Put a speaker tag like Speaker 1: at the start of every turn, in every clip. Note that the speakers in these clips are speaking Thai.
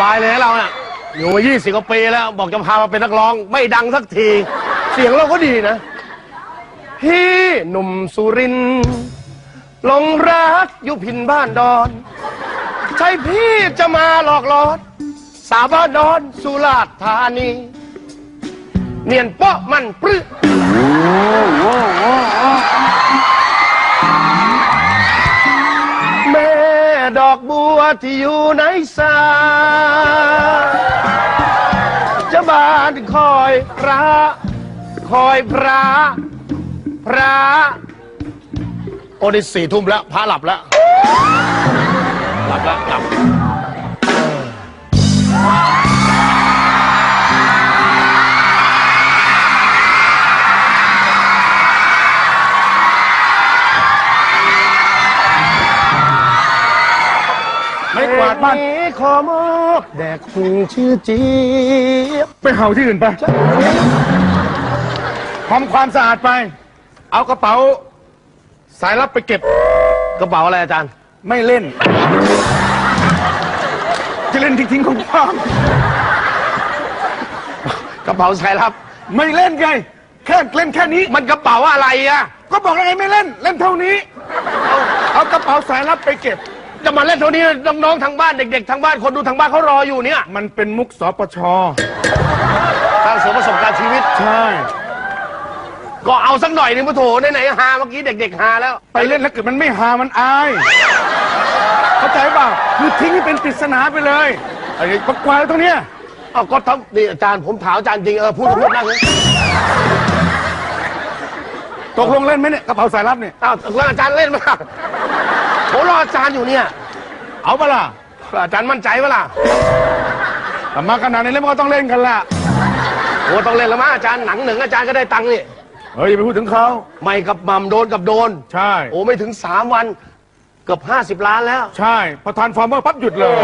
Speaker 1: บายเลยเราเนี่ยอยู่มา20 กว่าปีแล้วบอกจะพามาเป็นนักร้องไม่ดังสักทีเสียงเราก็ดีนะพี่หนุ่มสุรินทร์หลงรักอยู่พินบ้านดอนใช่พี่จะมาหลอกลอดสาวบ้านดอนสุราษฎร์ธานีเนียนเปาะมันปลื้แม่ดอกบัวที่อยู่ในสาจะบานคอยพระโอ้ได้4 ทุ่มแล้วพระหลับแล้วหลับ
Speaker 2: ไม่กวาดบ้าน
Speaker 1: ขอมอบแด่คุณชื่อจี๊บ
Speaker 2: ไปเห่าที่อื่นไปทำความสะอาดไปเอากระเป๋าสายลับไปเก็บ
Speaker 1: กระเป๋าอะไรอาจารย์
Speaker 2: ไม่เล่นจะเล่นทิ้งของพ่าง
Speaker 1: กระเป๋าสายลับ
Speaker 2: ไม่เล่นไงแค่เล่นแค่นี้
Speaker 1: มันกระเป๋าอะไรอ่ะ
Speaker 2: ก็บอกแล้วไงไม่เล่นเล่นเท่านี้เอากระเป๋าสายลับไปเก็บ
Speaker 1: จะมาเล่นเท่านี้น้องๆทางบ้านเด็กๆทางบ้านคนดูทางบ้านเขารออยู่เนี่ย
Speaker 2: มันเป็นมุกสปช.
Speaker 1: สร้างเสริมประสบการณ์ชีวิต
Speaker 2: ใช่
Speaker 1: ก็เอาสักหน่อยนึงพ่อโถไหนๆฮาเมื่อกี้เด็กๆฮาแล้ว
Speaker 2: ไปเล่นแล้วเกิดมันไม่ฮามันอายเข้าใจเปล่าคือทิ้งให้เป็นปริศนาไปเลยไอ้ประกวาดตรงเนี้ย
Speaker 1: เอาก็ทำนี่อาจารย์ผมถามอาจารย์จริงพูดนั่งเลย
Speaker 2: ตกลงเล่นไหมเนี่ยกระเป๋าสายลับเนี่ย
Speaker 1: อ้าวตกลงอาจารย์เล่นไหมผมรออาจารย์อยู่เนี่ย
Speaker 2: เอาเปล่า
Speaker 1: อาจารย์มั่นใจเปล่า
Speaker 2: แต่มาขนาดนี้แล้วมันก็ต้องเล่นกันละ
Speaker 1: โอ้ต้องเล่นแล้วมั้งอาจารย์หนังหนึ่งอาจารย์ก็ได้ตังค์นี่
Speaker 2: อย่าไปพูดถึงเขา
Speaker 1: ไม่กับหม่ำโดนกับโดน
Speaker 2: ใช่
Speaker 1: โอ้ไม่ถึง3 วันเกือบ50 ล้านแล้ว
Speaker 2: ใช่พอทานฟอร์เมอร์ปั๊บหยุดเลย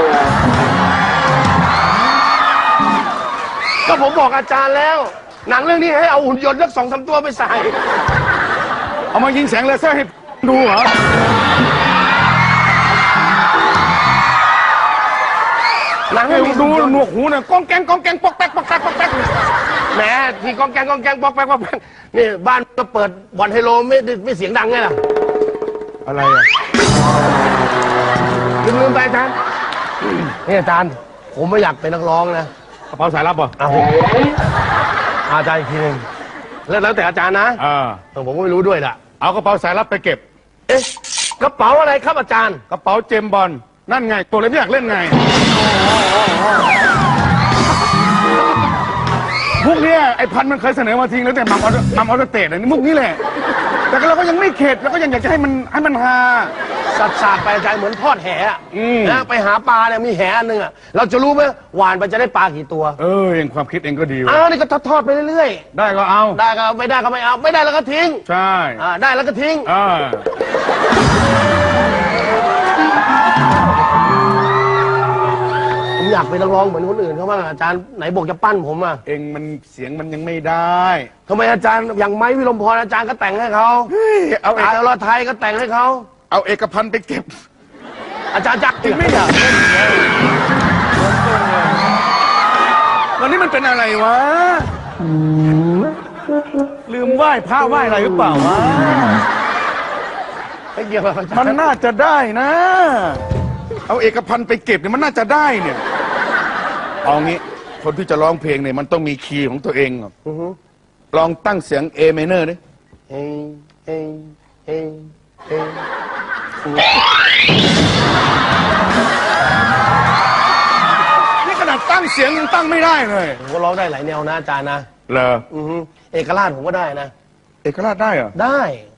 Speaker 1: ก็ผมบอกอาจารย์แล้วหนังเรื่องนี้ให้เอาหุ่นยนต์สัก2-3 ตัวไปใส่
Speaker 2: เอามายิงแสงเลเซอร์ให้ดูเหรอ
Speaker 1: หนังให้
Speaker 2: ดูหนวกหูเนี่ยก้องแกงปอกแป๊ก
Speaker 1: แหมที่ก้องแกงปอกแป๊กนี่บ้านก็เปิดบ่อนไฮโลไม่เสียงดังไงล่ะ
Speaker 2: อะไรอ่ะ
Speaker 1: ลืมไปอาจารย์นี่อาจารย์ผมไม่อยากเป็นนักร้องนะ
Speaker 2: กระเป๋าสายลับป่ะ
Speaker 1: อาจารย์อีกทีนึงแล้วแต่อาจารย์นะผมก็ไม่รู้ด้วยล่ะ
Speaker 2: เอากระเป๋าสายลับไปเก็บ
Speaker 1: กระเป๋าอะไรครับอาจารย์
Speaker 2: กระเป๋าเจมบอลนั่นไงตัวอะไรไม่อยากเล่นไงมุกนี้ไอ้พันมันเคยเสนอมาทิ้งแล้วแต่มัมออเตะนี่มุกนี้แหละแต่เราก็ยังไม่เข็ดเราก็ยังอยากจะให้มันฮา
Speaker 1: สาดไปอาจารย์เหมือนทอดแหนะไปหาปลาเนี่ยมีแหอันหนึ่งอ่ะเราจะรู้ไหมหวานไปจะได้ปลากี่ตัว
Speaker 2: เองความคิดเองก็ดี
Speaker 1: นี่ก็ทอดไปเรื่อย
Speaker 2: ๆได้ก็เอา
Speaker 1: ได้ก็ไม่ได้ก็ไม่เอาไม่ได้แล้วก็ทิ้ง
Speaker 2: ใช่
Speaker 1: ได้แล้วก็ทิ้งผมอยากเป็นนักร้องเหมือนคนอื่นเขาบ้างอาจารย์ไหนบอกจะปั้นผมอ่ะ
Speaker 2: เองมันเสียงมันยังไม่ได้
Speaker 1: ทำไมอาจารย์อย่างไม้วิลมพรอาจารย์ก็แต่งให้เขาเอาอรไทยก็แต่งให้เขา
Speaker 2: เอาเอกพันธ์ไปเก็บ
Speaker 1: อาจารย์จักจริงไม่อยาก
Speaker 2: วันนี้มันเป็นอะไรวะลืมไหว้พระไหว้อะไรหรือเปล่าวะ
Speaker 1: ไม่เกี่ยวกับ
Speaker 2: มันน่าจะได้นะเอาเอกพันธ์ไปเก็บเนี่ยมันน่าจะได้เนี่ยเอางี้คนที่จะร้องเพลงเนี่ยมันต้องมีคีย์ของตัวเองลองตั้งเสียง A minor ดินี่ขนาดตั้งเสียงยังตั้งไม่ได้เลย
Speaker 1: ผมก็ร้องได้หลายแนวนะอาจารย์นะ
Speaker 2: เหรอ
Speaker 1: เอกราชผมก็ได้นะ
Speaker 2: เอกราชได้เหรอ
Speaker 1: ได้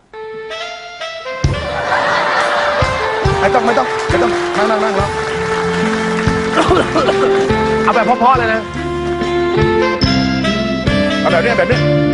Speaker 2: ไม่ต้องนั่งแล้ว
Speaker 1: เอาแบบเพราะๆเลยนะ
Speaker 2: เอาแบบนี้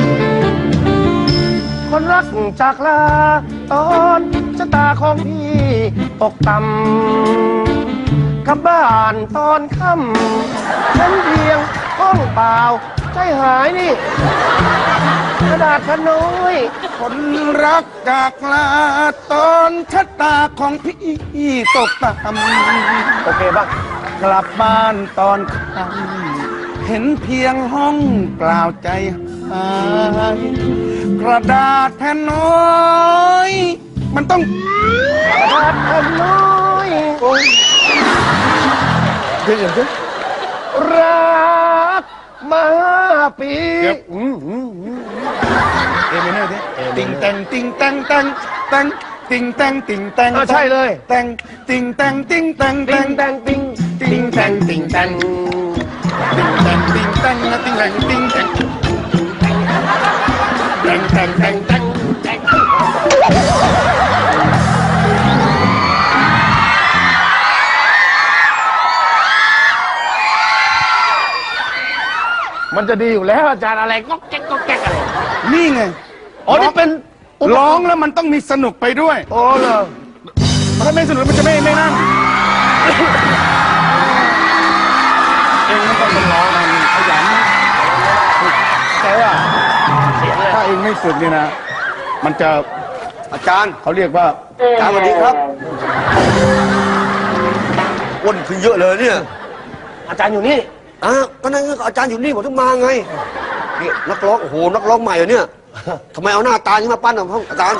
Speaker 1: คนรักจากลาตอนชะตาของพี่ตกต่ำกลับบ้านตอนค่ำเห็นเพียงห้องเปล่าใจหายนี่กระดาษขน้อย
Speaker 2: คนรักจากลาตอนชะตาของพี่ตกต่ำ
Speaker 1: โอเคป่ะ
Speaker 2: กลับบ้านตอนค่ำเห็นเพียงห้องเปล่าใจหายกระดาษแผ่นน้อย มันต้อง
Speaker 1: รักกันน้อยเพลงอื่นสิรักมาปี
Speaker 2: เอเมเนอร์ดิติงแตงติงแตงแตงแตงติงแตงติงแตง
Speaker 1: ใช่เลย
Speaker 2: แตงติงแตงติงแตงแต
Speaker 1: ติ
Speaker 2: ง
Speaker 1: งแตงติงติงแตงติงแตง
Speaker 2: ติงแตงติงแตงนะติงแตงติงแตง
Speaker 1: แตงแตงแตงแตงแตงมันจะดีอยู่แล้วอาจารย์อะไรก็แก๊กก็แก๊กอะไร
Speaker 2: นี่ไง
Speaker 1: อ๋อนี่เป็น
Speaker 2: ร้องแล้วมันต้องมีสนุกไปด้วย
Speaker 1: โอ้เหรอ
Speaker 2: ถ้าไม่สนุกมันจะไม่นั่งเองไม่ต้องเป็นร้องมันขยันใช่ป่ะ
Speaker 1: เสียงเลย
Speaker 2: ถ้าเองไม่ฝึกนี่นะ มันจะ
Speaker 3: อาจารย์
Speaker 2: เขาเรียกว่า
Speaker 3: อาจารย์สวัสดีครับอ้วนขึ้นเยอะเลยเนี่ย
Speaker 1: อาจารย์อยู่นี่
Speaker 3: ก็นั่นไงอาจารย์อยู่นี่ผมถึงมาไงนี่นักร้องโอ้โหนักร้องใหม่เหรอเนี่ยทำไมเอาหน้าตานี้มาปั้นของอาจารย์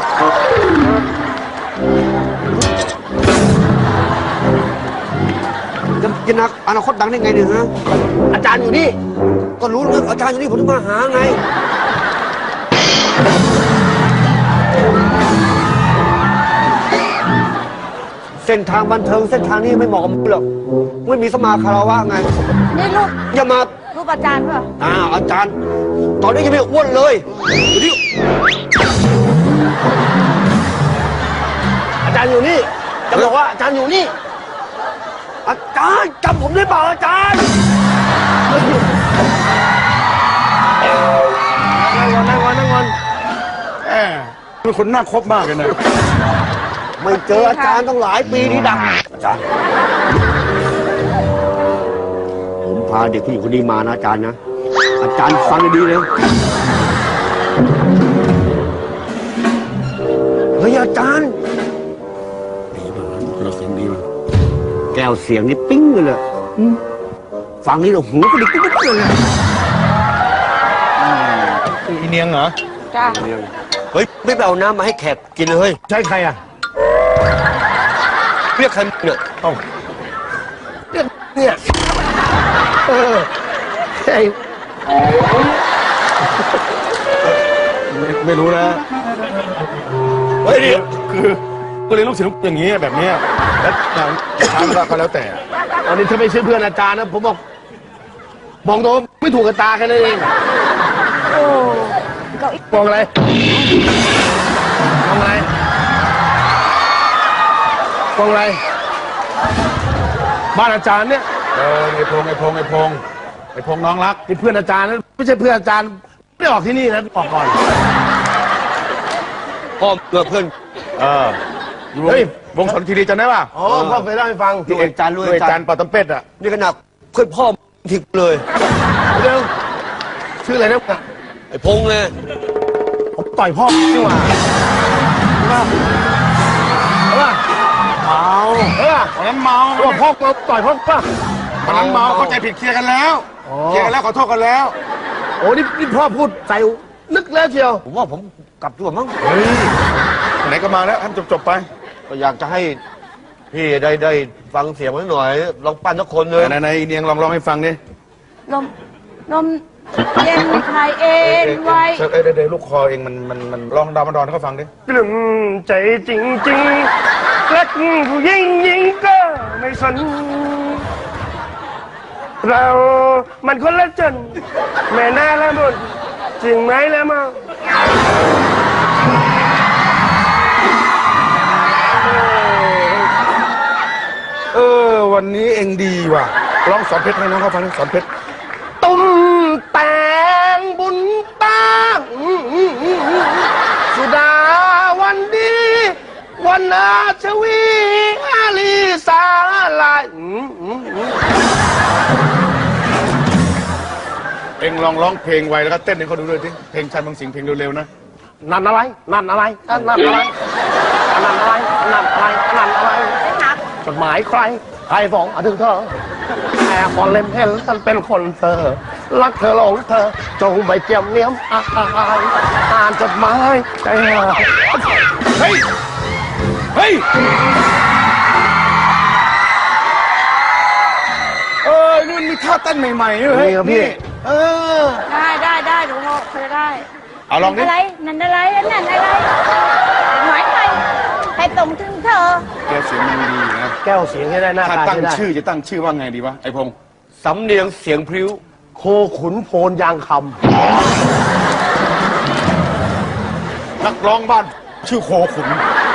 Speaker 3: จะนักอนาคตดังได้ไงเนี่ยฮะ
Speaker 1: อาจารย์อยู่นี่
Speaker 3: ก็รู้นะอาจารย์อยู่นี่ผมถึงมาหาไงเส้นทางบันเทิงเส้นทางนี้ไม่เหมาะกับมึงหรอกไม่มีสมาคารวะไง
Speaker 4: นี่รูป
Speaker 3: อย่ามา
Speaker 4: รูปอาจารย์เปล่า
Speaker 3: อาจารย์ ตอนนี้ยังไม่อ้วนเลยเดี๋ยวนี้
Speaker 1: อาจารย์อยู่นี่จะบอกว่าอาจารย์อยู่นี่
Speaker 3: อาจารย์จำผมได้เปล่าอาจารย์
Speaker 1: นั่งก่อนนั่งก่อน
Speaker 2: แอบเป็นคนน่าคบมากเลยนะ
Speaker 3: ไม่เจออาจารย์ต้องหลายปีที่ดังอาจารย์ ผมพาเด็กผู้หญิงคนนี้มานะอาจารย์นะ อาจารย์ฟังดีเลยเฮ้ยอาจารย์
Speaker 2: เราเสียงดีมั้ย
Speaker 3: แก้วเสียงนี่ปิ้งเลยฟังนี่เราหูก็ดิปิ๊งปิ๊งเลย
Speaker 2: อีเนียงเหรอ
Speaker 4: จ้า
Speaker 3: เฮ้ยไม่ไปเอาน้ำมาให้แขกกินเลยเฮ้ย
Speaker 1: ใช่ใครอ่ะ
Speaker 3: เรียกใครเนี่ย
Speaker 1: เอ้าเนี่ยไอ้
Speaker 2: ไม่รู้นะ
Speaker 3: เฮ้ยเดี๋ยว
Speaker 2: คือก็เลยลูกศิษย์อย่างนี้แบบเนี้ยแล้วทางก็แล้วแต่
Speaker 1: อันนี้ถ้าไม่ใช่เพื่อนอาจารย์นะผมบอกตรงไม่ถูกกับตาแค่นั้นเอง
Speaker 4: โอ้เก้าอี้
Speaker 1: มองอะไรมองอะไรมองอะไรบ้านอาจารย์เนี่ย
Speaker 2: ไอ้พงน้องรัก
Speaker 1: นี่เพื่อนอาจารย์นะไม่ใช่เพื่อนอาจารย์ไม่ออกที่นี่นะออกก่อน
Speaker 3: พ่อเพื่อน
Speaker 2: อยู่
Speaker 1: เฮ้ย
Speaker 2: วงสนคีรีจำได้ป่ะ
Speaker 1: อ๋อพ่อเคยเล่าให้ฟัง
Speaker 3: ที่อาจารย์รู้
Speaker 2: ด้วย
Speaker 3: อาจา
Speaker 2: จาร น
Speaker 3: ย์
Speaker 2: ปาตัมเป็ดอ่ะ
Speaker 3: นี่ขนาดเพื่อนพ่อทิ้งเลย
Speaker 1: เร็วชื่ออะไรนะ
Speaker 3: ไอ้พงษ์ไง
Speaker 1: ผมต่อยพ่อนี่หว่าเออ
Speaker 2: เมา
Speaker 1: เออ
Speaker 2: วันนั้นเมา
Speaker 1: ว่าพ่อต่อยพ่อป่ะ
Speaker 2: วันนั้นเมาเข้าใจผิดเคลียร์กันแล้ว
Speaker 1: อ๋อ
Speaker 2: เคลียร์กันแล้วขอโทษกันแล้ว
Speaker 1: โอ้นี่พ่อพูดใส่นึกแล้วเชียว
Speaker 3: ผมว่าผมกลับดีกว่ามั้ง
Speaker 2: เฮ้ยไหนก็มาแล้วให้มันจบไป
Speaker 3: ก็อยากจะให้พี่ได้ฟังเสียงไว้หน่อยลองปั้นทุกคนเลย
Speaker 2: ไหนเนียงลองให้ฟังดิ
Speaker 4: นมนมเย็นไทยเอ็นไว้
Speaker 2: เดี๋ยวลูกคอเองมันลองดาวมันดอนให้เขาฟังดิ
Speaker 1: กลุ่มใจจริงๆรักผู้หญิงยิงก็ไม่สน เรามันคนละจน แม่น่าละมุนจริงไหมละมั่ง
Speaker 2: วันนี้เองดีว่ะลองสอนเพชรให้น้องเขาฟังดิสอนเพชร
Speaker 1: ตุ้มแต่งบุญตาสุดาวันดี วันอาชวีอาลีสาลาย
Speaker 2: เองลองร้องเพลงไวแล้วก็เต้นให้เขาดูด้วยดิเพลงชันบางสิ่งเพลงเร็วๆนะ
Speaker 1: นั่นอะไรนั่นอะไรนั่นอะไรนั่นอะไรนั่นอะไรนั่นอะไร
Speaker 4: ไม่หนัก
Speaker 1: จดหมายใครใครฟ้องถึงเธอพอเล่นเห็นฉันเป็นคนเธอ รักเธอหลงเธอ จงไม่เจียมเนียมอ่านจดหมายใจหาย
Speaker 2: เฮ้ย เฮ้ย นี่มีท่าเต้นใหม่ๆด้วยเฮ้ย
Speaker 1: นี่ครับพี่
Speaker 2: เออ
Speaker 4: ได้หนูพอจะได้
Speaker 2: เอาลองดิ
Speaker 4: อะไรนั่นอะไรนั่นอะไรหมายไปให้ตรงถึงเธอ
Speaker 2: แกเสียงมันดีนะ
Speaker 1: แก้วเสียงให้ได้หน้า
Speaker 2: ถ้า
Speaker 1: ตา
Speaker 2: ตั้ง
Speaker 1: ให้ได้
Speaker 2: ชื่อจะตั้งชื่อว่าไงดีวะ ไอ้พงษ์
Speaker 3: สำเนียงเสียงพริ้ว
Speaker 1: โคขุนโพนยางค
Speaker 2: นักร้องบ้านชื่อโคขุน
Speaker 1: ำ